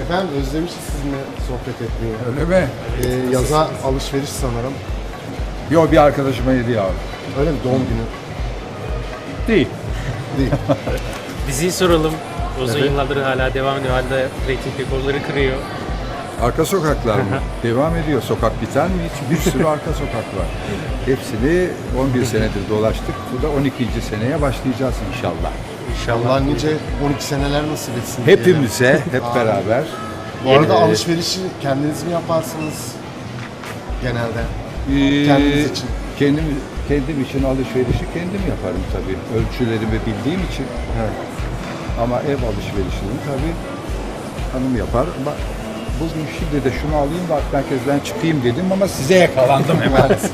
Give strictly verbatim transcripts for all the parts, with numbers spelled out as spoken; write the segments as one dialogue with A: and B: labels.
A: Efendim özlemişiz sizinle sohbet etmeyi.
B: Öyle mi?
A: Ee, yaza alışveriş sanırım.
B: Yok, bir arkadaşıma hediye aldım.
A: Öyle mi? Doğum günü
B: Değil.
A: değil.
C: Diziyi soralım. Uzun
A: Evet.
C: yıllardır hala devam ediyor. Halde reyting rekorları kırıyor.
B: Arka sokaklar mı? Devam ediyor. Sokak biter mi? Hiç bir sürü arka sokak var. Hepsini on bir senedir dolaştık. Bu da on ikinci seneye başlayacağız inşallah.
C: İnşallah.
A: Allah nice on iki seneler nasip etsin. diyelim.
B: Hepimize, hep
A: Amin.
B: beraber.
A: Bu arada
B: Ee,
A: alışverişi kendiniz mi yaparsınız? Genelde.
B: Ee,
A: Kendiniz için.
B: Kendim, kendim için alışverişi kendim yaparım tabii. Ölçülerimi bildiğim için.
A: Evet.
B: Ama ev alışverişini tabii hanım yapar. Ama bugün şimdi de şunu alayım da merkezden çıkayım dedim ama size yakalandım hemen.
A: Maalesef.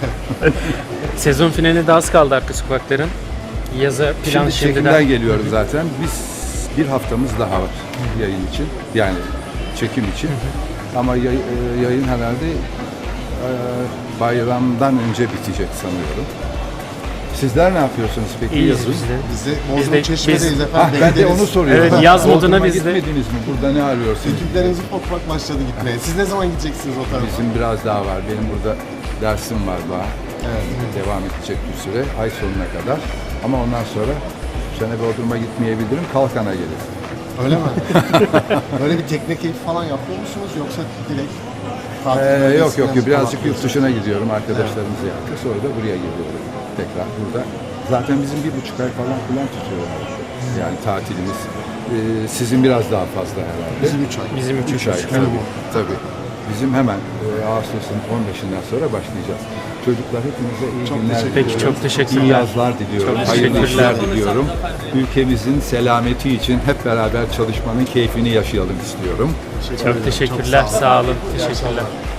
C: Sezon finaline de az kaldı Arka Sokakların. Yaza plan
B: Şimdi
C: şimdiden.
B: çekimden geliyorum zaten. Biz bir haftamız daha var yayın için. Yani çekim için. Ama yay- e, yayın herhalde e, bayramdan önce bitecek sanıyorum. Sizler ne yapıyorsunuz peki?
C: İyiyiz
B: yazın?
C: biz de.
A: Biz de
C: Biz
A: Bodrum
C: de-
A: Çeşme'deyiz
C: biz-
A: efendim.
B: Ah, ben de
A: Bekleriz.
B: onu soruyorum.
C: Evet, yaz
B: Bodrum'a
C: moduna biz de-
B: gitmediniz mi? Burada ne arıyorsunuz?
A: Ekipleriniz ufak ufak başladı gitmeye. Siz ne zaman gideceksiniz o tarafa?
B: Bizim biraz daha var. Benim burada dersim var daha.
A: Evet.
B: Devam edecek bir süre. Ay sonuna kadar. Ama ondan sonra bu sene Bodrum'a gitmeyebilirim. Kalkan'a gelirim.
A: Öyle mi? Böyle bir tekne keyfi falan yapıyor musunuz yoksa direkt tatil
B: Ee, yok
A: bölgesinden
B: yok yok. Birazcık
A: falan
B: yurt dışına gidiyorum. Arkadaşlarımız yaptı. Sonra da buraya geliyorum. Tekrar burada. Zaten bizim bir buçuk ay falan falan tutuyor. Yani tatilimiz. Ee, sizin biraz daha fazla herhalde.
A: Bizim üç ay.
C: Bizim üç,
B: Üç ay tabii. tabii. Bizim hemen e, Ağustos'un on beşinden sonra başlayacağız. Çocuklar hepinize iyi
A: Çok
B: günler
A: teşekkür
B: diliyorum.
C: Peki, çok teşekkürler.
B: İyi yazlar diliyorum.
C: Çok
B: Hayırlı
C: teşekkürler.
B: işler diliyorum. Ülkemizin selameti için hep beraber çalışmanın keyfini yaşayalım istiyorum.
A: Teşekkür
C: Çok
A: ederim.
C: teşekkürler.
A: Çok sağ olun.
C: Sağ olun.
A: İyi
C: Teşekkürler.
A: akşamlar.